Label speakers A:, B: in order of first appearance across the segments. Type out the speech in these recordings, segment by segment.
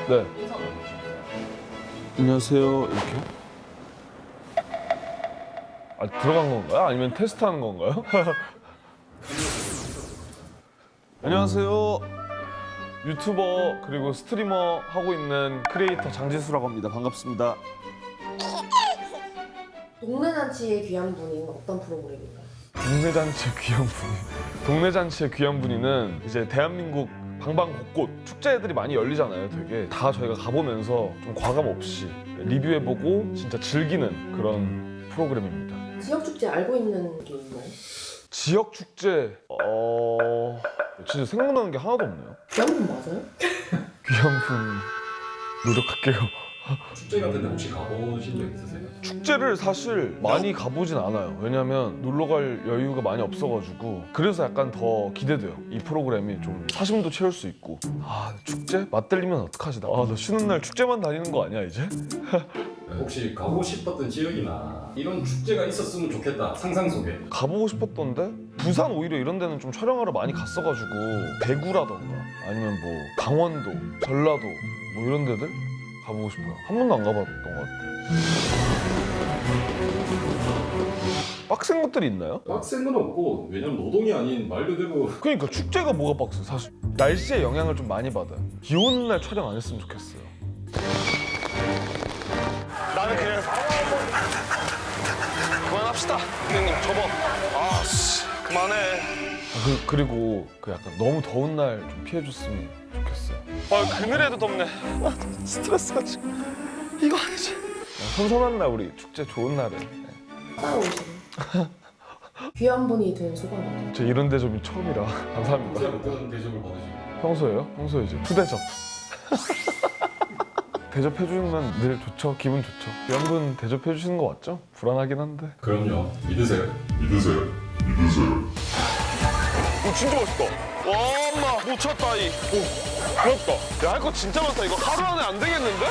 A: 네. 안녕하세요. 이렇게요? 아, 들어간 건가요? 아니면 테스트하는 건가요? 안녕하세요. 유튜버 그리고 스트리머 하고 있는 크리에이터 장지수라고 합니다. 반갑습니다.
B: 동네 잔치에 귀한 분이 어떤 프로그램인가요?
A: 동네 잔치의 귀한 분이. 동네 잔치의 귀한 분이는 이제 대한민국 방방곳곳 축제들이 많이 열리잖아요. 되게 다 저희가 가보면서 좀 과감 없이 리뷰해보고 진짜 즐기는 그런 프로그램입니다.
B: 지역 축제 알고 있는 게 있나요?
A: 지역 축제 진짜 생각나는 게 하나도 없네요.
B: 귀한 분 맞아요?
A: 귀한 분 노력할게요.
C: 축제 같은 데 혹시 가보신 적 있으세요?
A: 축제를 사실 많이 가보진 않아요. 왜냐면 놀러 갈 여유가 많이 없어가지고. 그래서 약간 더 기대돼요. 이 프로그램이 좀 사심도 채울 수 있고. 아, 축제? 맞들리면 어떡하지? 나 쉬는 날 축제만 다니는 거 아니야 이제?
C: 혹시 가고 싶었던 지역이나 이런 축제가 있었으면 좋겠다 상상 속에
A: 가보고 싶었던데? 부산 오히려 이런 데는 좀 촬영하러 많이 갔어가지고 대구라던가 아니면 뭐 강원도, 전라도 뭐 이런 데들 가보고 싶어요. 한 번도 안 가봤던 것 같아요. 빡센 것들이 있나요?
C: 빡센 건 없고 왜냐면 노동이 아닌 말 그대로
A: 그러니까 축제가 뭐가 빡세 사실. 날씨에 영향을 좀 많이 받아요. 비 오는 날 촬영 안 했으면 좋겠어요. 나는 그냥 그만합시다. 형님 접어. 아씨 그만해. 그리고 그 약간 너무 더운 날 좀 피해줬으면 좋겠어요. 그늘에도 덥네. 스트레스가 지금 이거 아니지. 선선한 날 우리 축제 좋은 날에.
B: 따라오시는 귀한 분이 된 소감이
A: 저 이런 대접이 처음이라 감사합니다.
C: 어떤 대접을 받으시고
A: 평소에요? 평소에 이제 푸대접. 대접해주면 늘 좋죠. 기분 좋죠. 이런 분 대접해주시는 거 맞죠? 불안하긴 한데.
C: 그럼요 믿으세요
A: 진짜 맛있다. 와, 엄마 못 쳤다 이. 오, 부럽다. 야, 할 거 진짜 많다. 이거 하루 안에 안 되겠는데?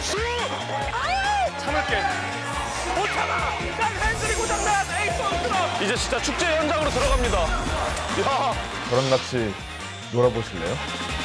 A: 참을게. 못 참아. 난 핸들이 고장나. 에이, 이제 진짜 축제 현장으로 들어갑니다. 야, 저랑 같이 놀아보실래요?